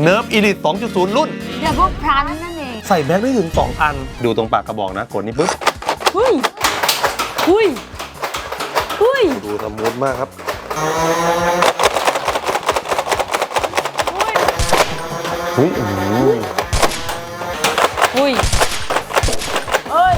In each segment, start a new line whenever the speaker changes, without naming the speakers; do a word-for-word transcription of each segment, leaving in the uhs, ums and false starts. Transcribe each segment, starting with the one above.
เนิร์ฟอีลิท สองจุดศูนย์ รุ่น
ดับเบิลพลันนั่นเอง
ใส่แม็กได้ถึงสองอันดูตรงปากกระบอกนะกดนี่ปุ๊บ
หุ้ยหุ้ยหุ้ย
ดูสมูทมากครับหุ้ย
หุ้ยเอ้ย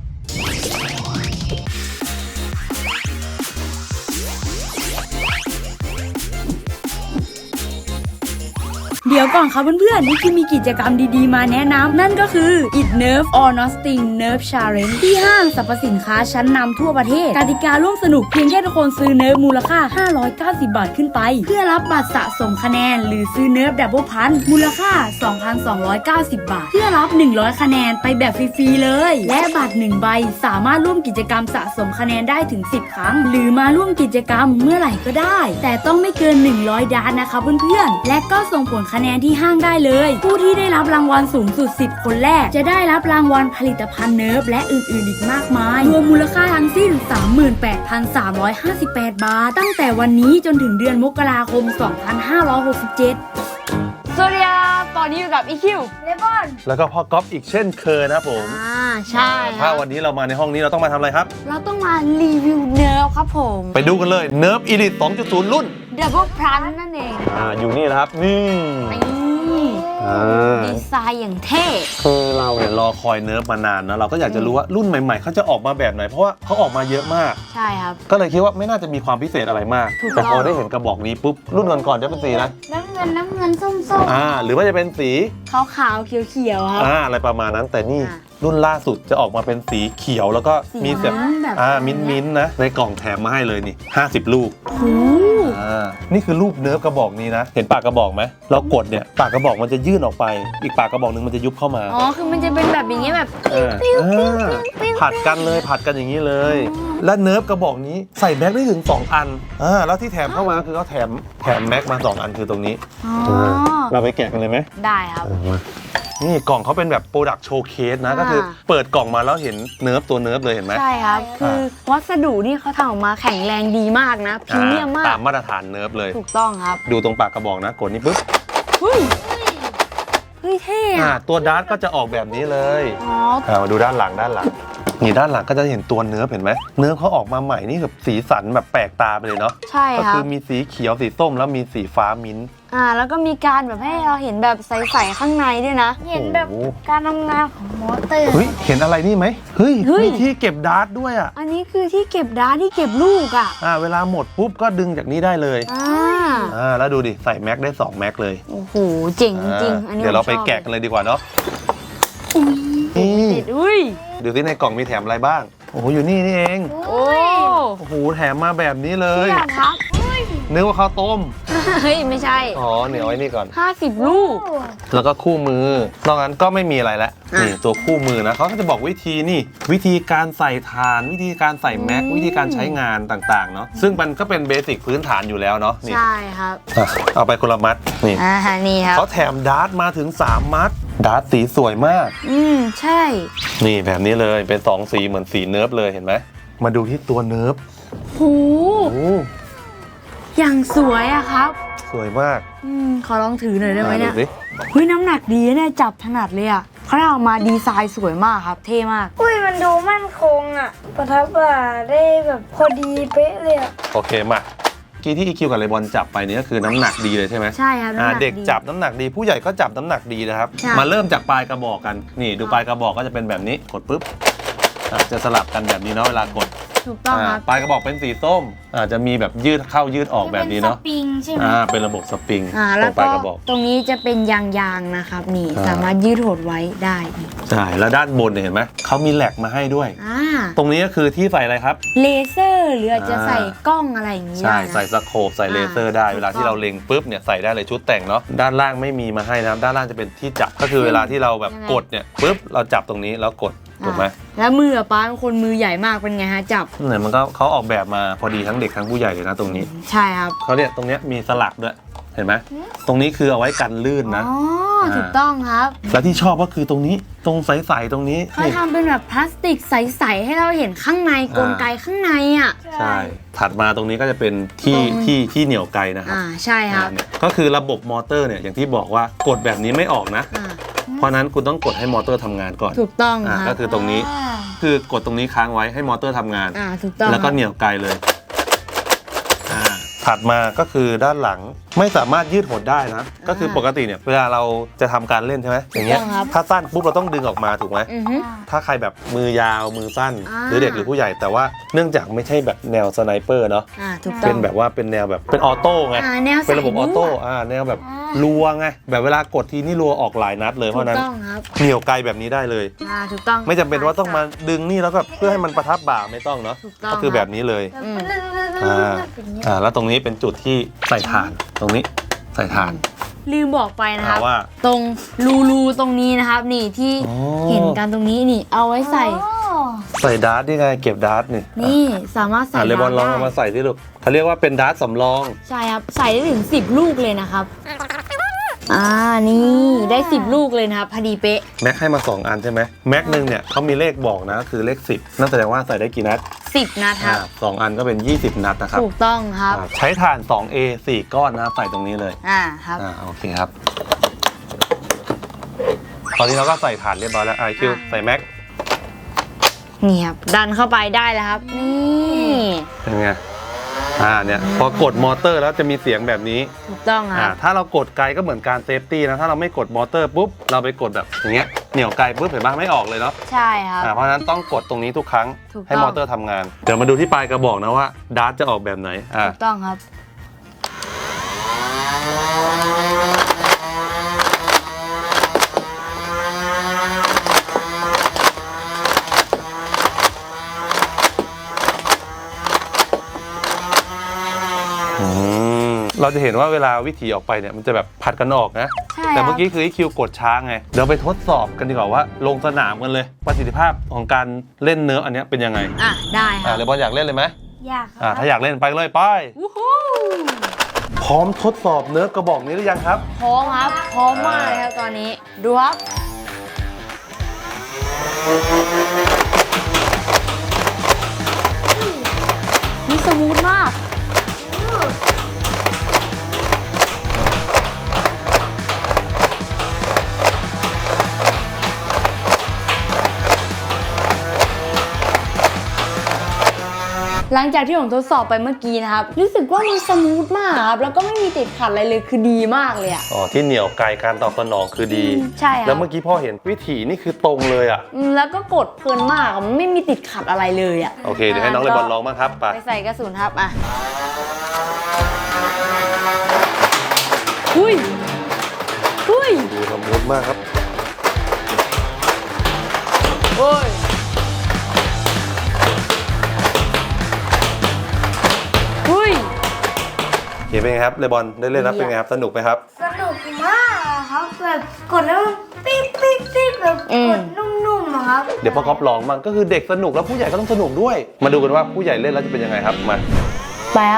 เดี๋ยวก่อนครับเพื่อนๆนี่คือมีกิจกรรมดีๆมาแนะนำนั่นก็คือ It Nerf or Nothing Nerf Challenge ที่ห้างสรรพสินค้าชั้นนำทั่วประเทศกติการ่วมสนุกเพียงแค่ทุกคนซื้อเนิร์ฟมูลค่าห้าร้อยเก้าสิบบาทขึ้นไปเพื่อรับบัตรสะสมคะแนนหรือซื้อเนิร์ฟดับเบิลพันมูลค่า สองพันสองร้อยเก้าสิบบาทเพื่อรับหนึ่งร้อยคะแนนไปแบบฟรีๆเลยและบัตรหนึ่งใบสามารถร่วมกิจกรรมสะสมคะแนนได้ถึงสิบครั้งหรือมาร่วมกิจกรรมเมื่อไหร่ก็ได้แต่ต้องไม่เกินหนึ่งร้อยดาร์ทนะคะเพื่อนๆและก็ส่งผลคะแนนที่ห้างได้เลยผู้ที่ได้รับรางวัลสูงสุดสิบคนแรกจะได้รับรางวัลผลิตภัณฑ์เนิร์ฟและอื่นๆอีกมากมายรวมมูลค่าทั้งสิ้น สามหมื่นแปดพันสามร้อยห้าสิบแปด บาทตั้งแต่วันนี้จนถึงเดือนมกราคม สองพันห้าร้อยหกสิบเจ็ด สวัสดีครับตอนนี้อยู่กับ อี คิว เลบอน
แล้วก็พ่อก๊อฟอีกเช่นเคยนะผม
อ่าใช่
ถ้าวันนี้เรามาในห้องนี้เราต้องมาทำอะไรครับ
เราต้องมารีวิวเนิร์ฟครับผม
ไปดูกันเลยเนิร์ฟอีลิท สองจุดศูนย์ รุ่น
ดับเบิลพลันนั่นเอง
อ่าอยู่นี่นะครับนี่
ดีไซน์อย่างเท่
คือเราเนี่ยรอคอยเนิร์ฟมานานนะเราก็อยากจะรู้ว่ารุ่นใหม่ๆเขาจะออกมาแบบไหนเพราะว่าเขาออกมาเยอะมาก
ใช่ครับ
ก็เลยคิดว่าไม่น่าจะมีความพิเศษอะไรมากแต่พอได้เห็นกระบอกนี้ปุ๊บรุ่นก่อนๆจะเป็นสีนะ
น้ำเงินน้ำเงินส้มๆ
อ่าหรือว่าจะเป็นสี
ขาวๆเขียวๆครับ
อ่าอะไรประมาณนั้นแต่นี่รุ่นล่าสุดจะออกมาเป็นสีเขียวแล้วก็มีแบบอ่ามิ้นๆนะในกล่องแถมมาให้เลยนี่ห้าสิบลูกอ่านี่คือรูปเนิร์ฟกระบอกนี้นะเห็นปากกระบอกไหมเรากดเนี่ยปากกระบอกมันจะยื่นออกไปอีกปากกระบอกนึงมันจะยุบเข้ามา
อ๋อคือมันจะเป็นแบบอย่างเงี้ยแบบ
ผัดกันเลยผัดกันอย่างนี้เลยและเนิร์ฟกระบอกนี้ใส่แม็กได้ถึงสองอันอ่าแล้วที่แถมเข้ามาคือเขาแถมแถมแม็กมาสองอันคือตรงนี้เราไปแกะกันเลยไหม
ได้ครับ
นี่กล่องเขาเป็นแบบโปรดักต์โชว์เคสนะก็คือเปิดกล่องมาแล้วเห็นเนิร์ฟตัวเนิร์ฟเลยเห็นไหม
ใช่ครับคือวัสดุนี่เขาทำออกมาแข็งแรงดีมากนะพรีเมียมมาก
ตามมาตรฐานเนิร์ฟเลย
ถูกต้องครับ
ดูตรงปากกระบอกนะกดนี่ปุ๊บ
เฮ้ยเฮ้ยเท่อะ
ตัวดาร์ทก็จะออกแบบนี้เลยอ๋อมาดูด้านหลังด้านหลังนี่ด้านหลังก็จะเห็นตัวเนื้อเห็นไหมเนื้อเขาออกมาใหม่นี่แบบสีสันแบบแปลกตาไปเลยเนาะ
ใช่ครับก็
คือมีสีเขียวสีส้มแล้วมีสีฟ้ามิ้นท์
อ่าแล้วก็มีการแบบให้เราเห็นแบบใสๆข้างในด้วยนะเห็นแบบการทำงานของมอเตอร์
เฮ้ยเห็นอะไรนี่ไหมเฮ้ยมีที่เก็บดาร์ทด้วยอ่ะ
อันนี้คือที่เก็บดาร์ทที่เก็บลูกอ่ะ
อ่าเวลาหมดปุ๊บก็ดึงจากนี้ได้เลย
อ่า
อ่าแล้วดูดิใส่แม็กได้สองแม็กเลย
โอ้โหเจ๋งจริงอันนี้
เดี๋ยวเราไปแกะกันเลยดีกว่าเนาะ
นี่อุ้ย
ดูที่ในกล่องมีแถมอะไรบ้างโอ้โหอยู่นี่นี่เอง
โอ้
โอ้โหแถมมาแบบนี้เลย
ครับ
นึกว่าข้าวต้ม
เฮ้ยไม่ใช่
อ๋อเหนียวไว้นี่ก่อน
ห้าสิบลูก
แล้วก็คู่มือนอกนั้นก็ไม่มีอะไรแล้วนี่ตัวคู่มือนะเขาก็จะบอกวิธีนี่วิธีการใส่ฐานวิธีการใส่แม็กวิธีการใช้งานต่างๆเนาะซึ่งมันก็เป็นเบสิกพื้นฐานอยู่แล้วเนาะ
ใช่ครับ
เอาไปคนละมัดนี่
อ่านี่ครับ
เขาแถมดาร์ทมาถึงสามมัดดาร์ทสีสวยมาก
อืมใช่
นี่แบบนี้เลยเป็นสองสีเหมือนสีเนิร์ฟเลยเห็นไหมมาดูที่ตัวเนิร์ฟ
โหอย่างสวยอะครับ
สวยมาก
อืมขอลองถือหน่อยได้ไหมเนี่ยเฮ้ยน้ำหนักดีเนี่ยจับถนัดเลยอะเขาเอามาดีไซน์สวยมากครับเท่มาก
อุ้ยมันดูมั่นคงอะประทับบ่าได้แบบพอดีเป๊ะเลยอะ
โอเคมากี้ที่ อี คิว กับเลบอนจับไปนี่ก็คือน้ำหนักดีเลยใช่ไหม
ใช่ครับ
เด็กจับน้ำหนักดีผู้ใหญ่ก็จับน้ำหนักดีนะครับมาเริ่มจากปลายกระบอกกันนี่ดูปลายกระบอกก็จะเป็นแบบนี้กดปุ๊บจะสลับกันแบบนี้เนาะเวลากด
ถูกต้องครับ
ปลายกระบอกเป็นสีส้มอาจจะมีแบบยืดเข้ายืดออกแบบนี้เนาะ
สปริงใช่ไหม
อ่าเป็นระบบสปริง
ตรงปลายกระบอกตรงนี้จะเป็นยางๆนะครับนี่สามารถยืดหดไว้ได้
ใช่แล้วด้านบนเนี่ยเห็นไหมเขามีแหลกมาให้ด้วยตรงนี้ก็คือที่ใส่อะไรครับ
เลเซอร์หรืออาจจะใส่กล้องอะไรอย่างนี้
ใช่ใส่สโคปใส่เลเซอร์ได้เวลาที่เราเล็งปุ๊บเนี่ยใส่ได้เลยชุดแต่งเนาะด้านล่างไม่มีมาให้นะด้านล่างจะเป็นที่จับก็คือเวลาที่เราแบบกดเนี่ยปุ๊บเราจับตรงนี้แล้วกดถูกไหม
แล้วมือป้าเป็นคนมือใหญ่มากเป็นไงฮะจับ
เนี่ยมันก็เขาออกแบบมาพอดีทั้งเด็กทั้งผู้ใหญ่เลยนะตรงนี้
ใช่ครับ
เขาเนี่ยตรงนี้มีสลักด้วยเห็นไหมตรงนี้คือเอาไว้กันลื่นนะ
อ๋อถูกต้องครับ
และที่ชอบก็คือตรงนี้ตรงใสๆตรงนี้
เขาทำเป็นแบบพลาสติกใสๆให้เราเห็นข้างในกลไกข้างในอ่ะ
ใช่ถัดมาตรงนี้ก็จะเป็นที่ที่ที่เหนี่ยวไกนะครับ
อ่าใช่ครับ
อ่าเนี่ยก็คือระบบมอเตอร์เนี่ยอย่างที่บอกว่ากดแบบนี้ไม่ออกนะ
อ่า
เพราะนั้นคุณต้องกดให้มอเตอร์ทำงานก่อน
ถูกต้องค
อ่า
รับ
ก็คือตรงนี้คือกดตรงนี้ค้างไว้ให้มอเตอร์ทำงาน
อ่าถูกต้อง
แล้วก็เหนี่ยวไกเลยอ่าถัดมาก็คือด้านหลังไม่สามารถยืดหดได้นะ ก็คือปกติเนี่ยเวลาเราจะทำการเล่นใช่ไหมอย่างเงี้ยถ้าสั้นปุ๊บเราต้องดึงออกมาถูกไหม
อือฮึ
ถ้าใครแบบมือยาวมือสั้น
อ่า
หรือเด็กหรือผู้ใหญ่แต่ว่าเนื่องจากไม่ใช่แบบแนวสไนเปอร์เนาะ
อ่าถูกต้
เป็
อง
นแบบว่าเป็นแนวแบบเป็นออโต้ไง
อ่าแนว
เป็นระบบออโต้อ่าแนวแบบ
อ่า
รัวไงแบบเวลากดทีนี่รัวออกหลายนัดเลยเพ
ถู
ราะ
ก
นั้น
ต้องครับ
เหนี่ยวไกลแบบนี้ได้เลย
อ่าถูกต้อง
ไม่จำเป็นว่าต้องมาดึงนี่แล้วก็เพื่อให้มันประทับบ่าไม่ต้องเนาะ
ถูกต้อง
ก็คือแบบนี้เลย
อืม
อ่าอ่าแล้วตรงนี้เป็นจุดที่ใส่ถ่านตรงนี้ใส่ถ่าน
ลืมบอกไปนะครับ
อ่าว่า
ตรงรูรูตรงนี้นะครับ นี่ที่
อ๋อ
เห็นกันตรงนี้นี่เอาไว้ใส่
ใส่ดาร์ตนี่ไงเก็บดาร์ตนี่
นี่สามารถใส่
อ่าเลบอนลอง
ได้
เอามาใส่ที่ลูกเขาเรียกว่าเป็นดาร์ตสำรอง
ใช่ครับใส่ได้ถึงสิบลูกเลยนะครับอ่านี่ได้สิบลูกเลยนะครับพอดีเป๊ะ
แม็กให้มาสองอันใช่ไหมแม็กหนึ่งเนี่ยเขามีเลขบอกนะคือเลขสิบนั่นแสดงว่าใส่ได้กี่นัด
สิบนัดค
อ่า
รับ
สองอันก็เป็นยี่สิบนัดนะครับ
ถูกต้องครับ
อ่าใช้ถ่าน สองเอ สี่ก้อนนะครับใส่ตรงนี้เลย
อ่าครับ
อ่าโอเคครับ ตอนนี้เราก็ใส่ถ่านเรียบร้อยแล้วไอคิวใส่แม็ก
นี่ครับดันเข้าไปได้แล้วครับ นี่
เป็นไงอ่าเนี่ยพอกดมอเตอร์แล้วจะมีเสียงแบบนี้
ถูกต้องค
อ่า
รับ
ถ้าเรากดไกลก็เหมือนการเซฟตี้นะถ้าเราไม่กดมอเตอร์ปุ๊บเราไปกดแบบอย่างเงี้ยเหนี่ยวไกลปุ๊บเห็นปะไม่ออกเลยเนาะ
ใช่ครับ
อ่าเพราะฉะนั้นต้องกดตรงนี้ทุกครั้ง
ถูกต้อง
ให้มอเตอร์ทำงาน เดี๋ยวมาดูที่ปลายกระบอกนะว่าดาร์ตจะออกแบบไหนอ่า
ถูกต้องครับ
อืมเราจะเห็นว่าเวลาวิถีออกไปเนี่ยมันจะแบบผัดกันออกนะ
ใช่
แต่
ครั
เมื่
บ
อกี้คือไอคิวกดช้าไง เดี๋ยวไปทดสอบกันดีกว่าว่าลงสนามกันเลย ประสิทธิภาพของการเล่นเนิร์ฟอันเนี้ยเป็นยังไง
อ่ะได้ค
อ่า
รับ
เลบอลอยากเล่นเลยไหม
อยากค
อ่า
รับ
ถ้าอยากเล่นไปเลยไป
วู้ฮู้
พร้อมทดสอบเนิร์ฟกระบอกนี้หรือยังครับ
พร้อมครับพร้อมมากเลยครับตอนนี้ดูครับนี่สมูทมาก หลังจากที่ผมทดสอบไปเมื่อกี้นะครับ รู้สึกว่ามันสมูทมากครับ แล้วก็ไม่มีติดขัดอะไรเลยคือดีมากเลยอะ
อ๋อที่เหนียวไกลการตอบสนองคือดี
ใช่ครับ
แล้วเมื่อกี้พ่อเห็นวิถีนี่คือตรงเลยอ่ะ
อืมแล้วก็กดเพลินมากอะมันไม่มีติดขัดอะไรเลยอะ
โอเคเดี๋ยวให้น้องเลบอลลองบ้างครับไป
ไปใส่กระสุนครับอ่ะอุ้ยอุ้ย
ดูสมูทมากครับ
โอ้ยอุ้ย
เห็นเป็นไงครับเลบอลได้เล่นแล้วเป็นไงครับสนุกไหมครับ
สนุกมากอะครับแบบกดแล้วมันปิ๊บปิ๊บปิ๊บแบบกดนุ่มๆอะครับ
เดี๋ยวพ่อก๊อฟลองบ้างก็คือเด็กสนุกแล้วผู้ใหญ่ก็ต้องสนุกด้วย มาดูกันว่าผู้ใหญ่เล่นแล้วจะเป็นยังไงครับมา
แป๊บ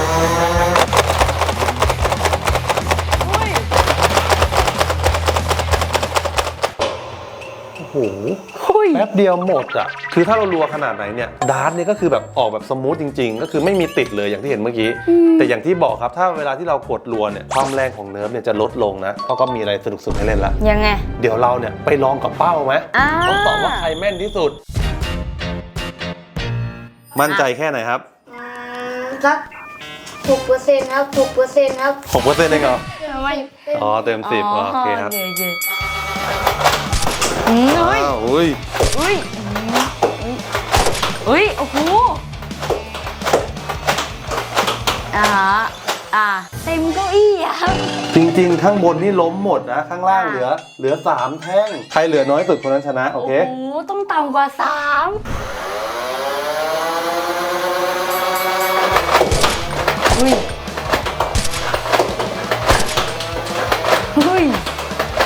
โอ้โห
อุ้ย
แป๊บเดียวหมดอ่ะคือถ้าเรารัวขนาดไหนเนี่ยดาร์ตเนี่ยก็คือแบบออกแบบสมูทจริง ๆ ก็คือไม่มีติดเลยอย่างที่เห็นเมื่อกี้ แต่อย่างที่บอกครับถ้าเวลาที่เรากดรัวเนี่ยความแรงของเนิร์ฟเนี่ยจะลดลงนะเพราะก็มีอะไรสนุกๆให้เล่นละ
ยังไง
เดี๋ยวเราเนี่ยไปลองกับเป้าไหม
อ่า
ทดสอบว่าใครแม่นที่สุด มั่นใจแค่ไหนครับ
อืมสักหกเปอร์เซ็นต์ครับหกเปอร์เซ็นต์ครับ
หกเปอร์เซ็นต์เองเหรอ
ไม่
อ๋อเต็มสิบอ๋อโอเคครับ
โอเคอืมอุ้ย
อ้าวอุ้ย
อุ้ยอุ้ยโอ้โหอ่าอ่าเต็มเก้าอี้อะครับ
จริงๆ ข้างบนนี่ล้มหมดนะ ข้างล่างเหลือ เหลือสามแท่ง ใครเหลือน้อยสุดคนนั้นชนะ โอเค
โอ้โหต้องต่ำกว่าสามอุ้ยอุ้ย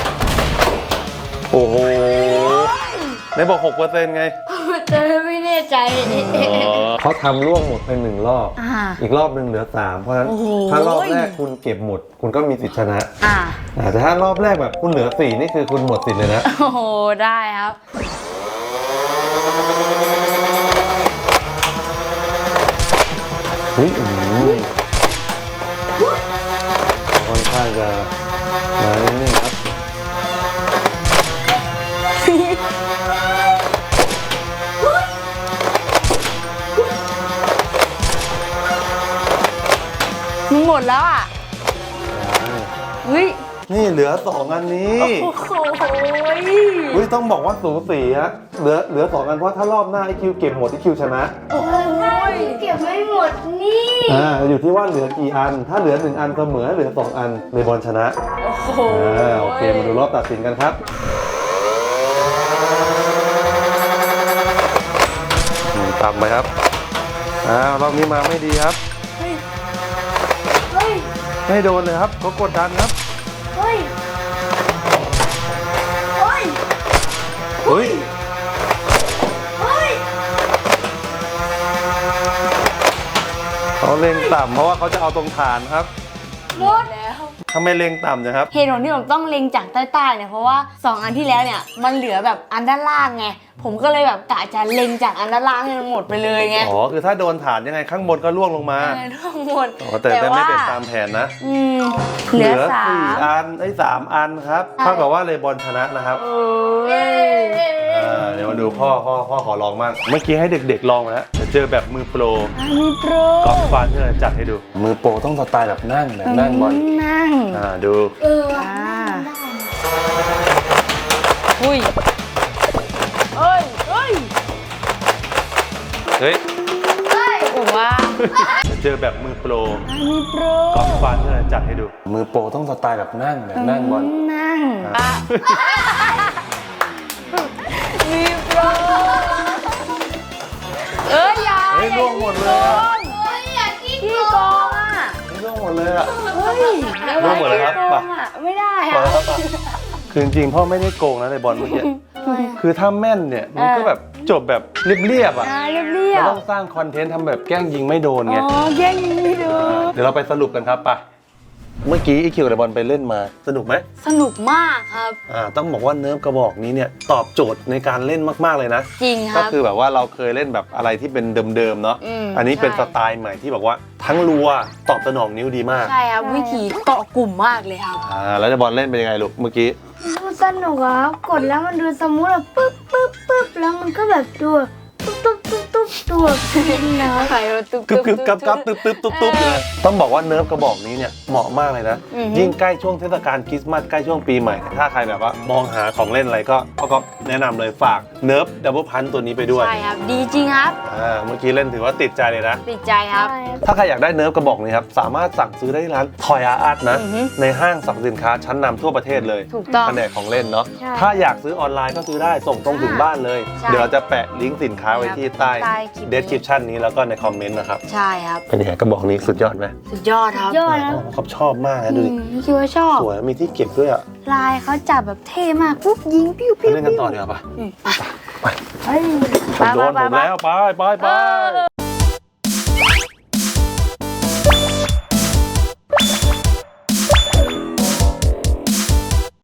โอ้โหไม่บอกหกเปอร์เซ็นต์ไง
แต่ไม่แน่ใจใจ
เขาทำร่วงหมดไปหนึ่งรอบ
อ่า
อีกรอบหนึ่งเหลือสามเพราะฉะนั้น
โอ้โห
ถ้ารอบแรกคุณเก็บหมด คุณก็มีสิทธิชนะ
อ่า
อ่าแต่ถ้ารอบแรกแบบคุณเหลือสี่นี่คือคุณหมดสิทธิ์เลยนะ
โอ้โหได้ครับ
เฮ้ยอืมค่อนข้างจะมานี่ครับ
มึงหมดแล้วอ่ะเฮ้ย
นี่เหลือสองอันนี้
โอ้โห
อุ้ยต้องบอกว่าสูสีฮะเหลือเหลือสองอันเพราะถ้ารอบหน้าไอคิวเก็บหมดไอคิวชนะ
โอ้ยเก็บไม่หมดนี่
อ่าอยู่ที่ว่าเหลือกี่อัน ถ้าเหลือหนึ่งอันเสมอเหลือสองอันเลบอนชนะ
โอ้โห
อ่าโอเคมาดูรอบตัดสินกันครับอืมต่ำไปครับอ้าวรอบนี้มาไม่ดีครับ
เฮ้ย เฮ้ย
ไม่โดนเลยครับเขากดดันครับ
เฮ้ย เฮ้ย
เฮ้ย
เฮ้ย
เขาเล็งต่ำเพราะว่าเขาจะเอาตรงฐานครับ
หมด
แล้ว
ทำไมเล็งต่ำนะครับ
เหตุผลที่ผมต้องเล็งจากใต้ๆเนี่ยเพราะว่าสองอันที่แล้วเนี่ยมันเหลือแบบอันด้านล่างไงผมก็เลยแบบกะจะเล็งจากอันด้านล่างให้มันหมดไปเลยไง
อ๋อคือถ้าโดนฐานยังไงข้างบนก็ล่วงลงมา
เออทั้งหมด
อ๋อแต่แต่ไม่เป็นตามแผนนะ
อืมเหลือสา
สี่
ม
อันไอ้ยสามอันครับ
ใช่
เท่ากับว่าเลบอนชนะนะครับ
เอ้ย
อ่าเดี๋ยวมาดูพ่อพ่อพ่อขอลองบ้างเมื่อกี้ให้เด็กๆลองมาแล้วเดี๋ยวเจอแบบมือโปร
อันนี้โปร
กอล์ฟฟานที่เราจัดให้ดู มือโปรต้องสไตล์แบบนั่งแบบนั่งบอล
นั่ง
อ่าดู
เออว่ะ
อ่า
ได้
อุ้ยเอ้ยเอ้ย
เฮ้ย
เฮ้ย
ผมว่า
เดี๋ยวเจอแบบมือโปร
อันนี้โปร
กอล์ฟฟานที่เราจัดให้ดู มือโปรต้องสไตล์แบบนั่งแบบนั่งบอล
นั่ง
อ่ะ
มีโปรเอ้ยอยา
เฮ้ยล่วงหมดเลยอะ
โอ้ยอยากกิน
พี่
ก่
โก
อน
งอ่ะ
เฮ้ยล่วงหมดเลยอ่ะ
เฮ้ย
ล่วงหมดเลยครับ
พี่โกงอ่ะไม่ได้
ปล่อย
อ่ะ
แล้วครับคือจริงๆพ่อไม่ได้โกงนะในบอลเมื่อกี้ คือถ้าแม่นเนี่ยมันก็แบบจบแบบเรียบๆอ่ะ
อ่าเรียบเรีย
เรา
บ
ต้องสร้างคอนเทนต์ทำแบบแกล้งยิงไม่โดนไง
อ๋อแย่งยิงไม่ดู
เดี๋ยวเราไปสรุปกันครับไปเมื่อกี้ไอคิวกับบอลไปเล่นมาสนุกไหม
สนุกมากครับ
อ่าต้องบอกว่าเนิร์ฟกระบอกนี้เนี่ยตอบโจทย์ในการเล่นมากๆเลยนะ
จริงค
ก็
รับ
คือแบบว่าเราเคยเล่นแบบอะไรที่เป็นเดิมๆเนาะ
อืม
อันนี้เป็น
ใช่
สไตล์ใหม่ที่บอกว่าทั้งรัวตอบสนองนิ้วดีมาก
ใช่ครับวิธีเกาะกลุ่มมากเลยครับ
อ่าแล้วจะบอลเล่นเป็นยังไงลูกเมื่อกี้
ดูสนุกอ่ะกดแล้วมันดูสมูทอ่ะปึ๊บปึ๊บปึ๊บแล้วมันก็แบบดูตุ๊บตุ๊บตุ๊บตุ๊บตัวฟินนะ
ใครว่าตุ๊บ
กึบกึบกับกับตึ๊บตึ๊บตุ๊บตุ๊บเลยต้องบอกว่าเนิร์ฟกระบอกนี้เนี่ยเหมาะมากเลยนะ
อือฮึ
ยิ่งใกล้ช่วงเทศกาลคริสต์มาสใกล้ช่วงปีใหม่ ถ้าใครแบบว่ามองหาของเล่นอะไรก็ก็ก็แนะนำเลยฝากเนิร์ฟดับเบิลพันตัวนี้ไปด้วย
ใช่ครับ ดีจริงครับ
อ่าเมื่อกี้เล่นถือว่าติดใจเลยนะ
ติดใจครับ
ถ้าใครอยากได้เนิร์ฟกระบอกนี้ครับสามารถสั่งซื้อได้ที่ร้านทอยอาร์ตนะ
อือฮึ
ในห้างสรรพสินค้าชั้นนำทั่วประเทศเลย
ถูกต้อง
แผนกของเล่นเนาะ
ใช่
ถ้าอยากซื้อออนไลน์ก็ซื้อได้ส่งตรงถึงบ้านเลย
ใช่
เดี๋ยวเราจะแปะลิงก์สินค้าไว้ที่ใต้
ใต้คลิปนี้
description นี้แล้วก็ในคอมเมนต์นะครับ
ใช่ครับ
เป็นยังไงกระบอกนี้สุดยอดไหม
สุดยอดครับ
ยอดนะ
เขาชอบมากนะดูดิ
อืมพี่คิดว่าชอบ
สวยมีที่เก็บด้วยอ่ะ
ลายเขาจับแบบเท่มากปุ๊บยิงปิ้ว
ไป
ปิ้ว
เล่นกันต่อดีกว่าปะ
อืม
เฮ้ย
โดนผมแล้วไปไปไป
เออ